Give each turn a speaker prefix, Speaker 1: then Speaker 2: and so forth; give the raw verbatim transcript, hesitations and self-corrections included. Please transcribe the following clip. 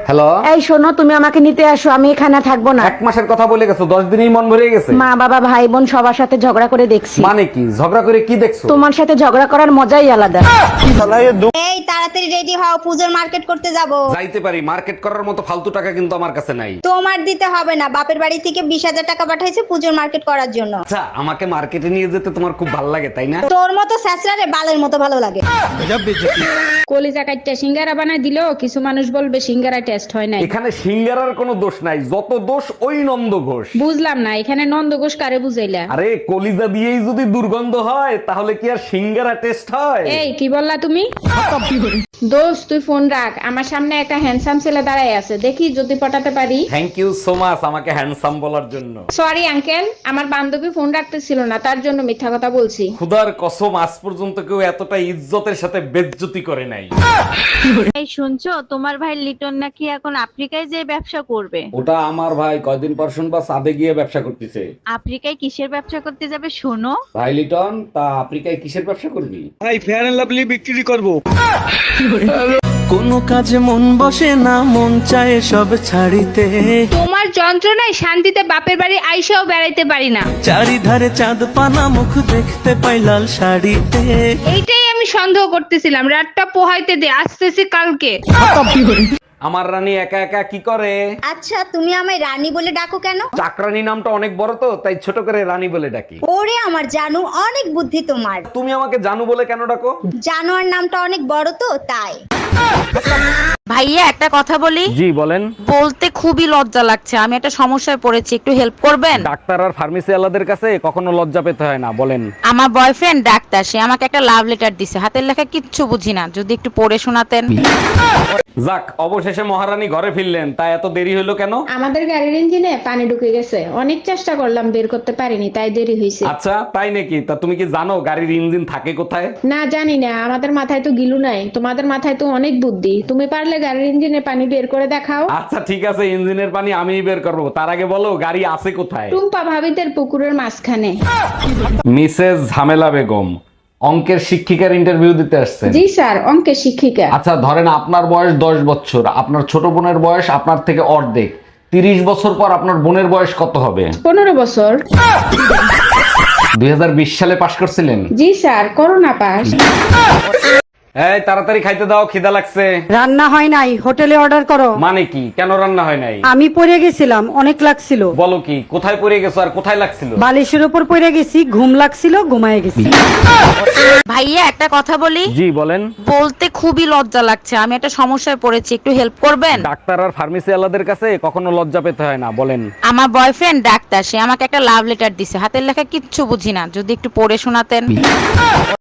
Speaker 1: Hello,
Speaker 2: এই শোনো, তুমি আমাকে নিতে আসো, আমি এখানে থাকবো না।
Speaker 1: এক মাসের কথা বলে গেছো, দশ দিনেই মন ভরে গেছে।
Speaker 2: মা বাবা ভাই বোন সবার সাথে ঝগড়া করে দেখছি।
Speaker 1: মানে কি ঝগড়া করে কি দেখছো?
Speaker 2: তোমার সাথে ঝগড়া করার মজাই আলাদা।
Speaker 3: এই তাড়াতাড়ি রেডি হও, পূজোর মার্কেট করতে যাব।
Speaker 1: যাইতে পারি, মার্কেট করার মতো ফালতু টাকা কিন্তু আমার কাছে নাই।
Speaker 3: তোমার দিতে হবে না, বাপের বাড়ি থেকে বিশ হাজার টাকা পাঠাইছে পূজোর মার্কেট করার জন্য।
Speaker 1: আচ্ছা, আমাকে মার্কেটে নিয়ে যেতে তোমার খুব ভালো লাগে তাই না?
Speaker 3: তোর মতো স্যাঁচড়ারে বালের মতো ভালো লাগে।
Speaker 4: কলিজা কাটটা সিঙ্গারা বানাই দিলো, কিছু মানুষ বলবে সিঙ্গারা টেস্ট হয় নাই।
Speaker 1: এখানে সিঙ্গারার কোনো দোষ নাই, যত দোষ ওই নন্দ ঘোষ।
Speaker 4: বুঝলাম না, এখানে নন্দ ঘোষ কারে বুঝাইলা?
Speaker 1: আরে কলিজা দিয়েই যদি দুর্গন্ধ হয় তাহলে কি আর সিঙ্গারা টেস্ট হয়?
Speaker 4: এই কি বললা তুমি? দোস্ত তুই ফোন রাখ, আমার সামনে একটা হ্যান্ডসাম ছেলে দাঁড়াই আছে, দেখি যদি পটাতে পারি।
Speaker 1: থ্যাংক ইউ সো মাচ আমাকে হ্যান্ডসাম বলার জন্য।
Speaker 4: সরি আঙ্কেল, আমার বান্ধবী ফোন রাখতেছিল না, তার জন্য মিথ্যা কথা বলছি।
Speaker 1: খুদার কসম, আজ পর্যন্ত কেউ এতটা ইজ্জতের সাথে বেজ্জতি করে নাই।
Speaker 5: এই শুনছো, তোমার ভাই লিটন নাকি এখন আফ্রিকায় যে ব্যবসা করবে।
Speaker 1: ওটা আমার ভাই কয়দিন পর শুনবা সাদে গিয়ে ব্যবসা করতেছে।
Speaker 5: আফ্রিকায় কিসের ব্যবসা করতে যাবে শোনো?
Speaker 1: ভাই লিটন, তা আফ্রিকায় কিসের ব্যবসা করবি?
Speaker 6: ভাই ফেয়ার এন্ড লাভলি বিক্রি করব।
Speaker 7: কোনো কাজে মন বসে না, মন চায় সব ছাড়িতে।
Speaker 4: তোমার যন্ত্রণায় শান্তিতে বাপের বাড়ি আইসাও বেড়াইতে পারি না।
Speaker 7: চারিধারে চাঁদ পানা, মুখ দেখতে পাই লাল শাড়িতে।
Speaker 4: এইটাই আমি সন্দেহ করতেছিলাম, রাতটা পোহাইতে দে, আসতেছি কালকে।
Speaker 1: আমার রানী একা একা কি করে?
Speaker 3: আচ্ছা, তুমি আমায় রানী বলে ডাকো কেন?
Speaker 1: চাকরানী নামটা অনেক বড় তো, তাই ছোট করে রানী বলে ডাকি।
Speaker 3: ওরে আমার জানু, অনেক বুদ্ধি তোমার।
Speaker 1: তুমি আমাকে জানু বলে কেন ডাকো?
Speaker 3: জানোয়ার নামটা অনেক বড় তো তাই।
Speaker 8: ভাইয়া একটা কথা বলি।
Speaker 1: জি বলেন।
Speaker 8: বলতে খুবই লজ্জা লাগছে, আমি একটা সমস্যায় পড়েছি, একটু হেল্প করবেন?
Speaker 1: ডাক্তার আর ফার্মেসি আলাদের কাছে কখনো লজ্জা পেতে হয় না, বলেন।
Speaker 8: আমার বয়ফ্রেন্ড ডাক্তার, সে আমাকে একটা লাভ লেটার দিছে, হাতের লেখা কিচ্ছু বুঝি না, যদি একটু পড়ে শোনাতেন।
Speaker 1: যাক, অবশেষে মহারানী ঘরে ফিরলেন, তা এত দেরি হলো কেন?
Speaker 4: আমাদের গাড়ির ইঞ্জিনে পানি ঢুকে গেছে, অনেক চেষ্টা করলাম বের করতে পারিনি, তাই দেরি হয়েছে।
Speaker 1: আচ্ছা তাই নাকি? তা তুমি কি জানো গাড়ির ইঞ্জিন থাকে কোথায়?
Speaker 4: না জানি না, আমাদের মাথায় তো গিলু নাই, তোমাদের মাথায় তো অনেক বুদ্ধি, তুমি পারলে গাড়ির ইঞ্জিনে পানি বের করে দেখাও।
Speaker 1: আচ্ছা ঠিক আছে, ইঞ্জিনের পানি আমিই বের করবো, তার আগে বলো গাড়ি আছে কোথায়?
Speaker 4: টুম্পা ভাবিদের পুকুরের মাঝখানে।
Speaker 1: মিসেস ঝামেলা বেগম, অঙ্কের শিক্ষিকার ইন্টারভিউ দিতে আসছেন?
Speaker 4: জি স্যার, অঙ্কের শিক্ষিকা।
Speaker 1: আচ্ছা ধরেন আপনার বয়স দশ বছর, আপনার ছোট বোনের বয়স আপনার থেকে অর্ধেক, তিরিশ বছর পর আপনার বোনের বয়স কত হবে?
Speaker 4: পনেরো বছর।
Speaker 1: দুই হাজার বিশ সালে পাশ করছিলেন?
Speaker 4: জি স্যার, করোনা পাস।
Speaker 1: এই তাড়াতাড়ি খাইতে দাও, খিদা লাগছে।
Speaker 2: রান্না হয় নাই, হোটেলে অর্ডার করো।
Speaker 1: মানে কি, কেন রান্না হয় নাই?
Speaker 2: আমি পড়ে গেছিলাম, অনেক লাগছিল।
Speaker 1: বলো কি, কোথায় পড়ে গেছো আর কোথায় লাগছিল?
Speaker 2: বালিশের উপর পড়ে গেছি, ঘুম লাগছিল, ঘুমায় গেছি।
Speaker 8: ভাইয়া একটা কথা বলি।
Speaker 1: জি বলেন।
Speaker 8: বলতে খুবই লজ্জা লাগছে, আমি একটা সমস্যায় পড়েছি, একটু হেল্প করবেন?
Speaker 1: ডাক্তার আর ফার্মেসি আলাদের কাছে কখনো লজ্জা পেতে হয় না, বলেন।
Speaker 8: আমার বয়ফ্রেন্ড ডাক্তার, সে আমাকে একটা লাভ লেটার দিছে, হাতের লেখা কিচ্ছু বুঝি না, যদি একটু পড়ে শোনাতেন।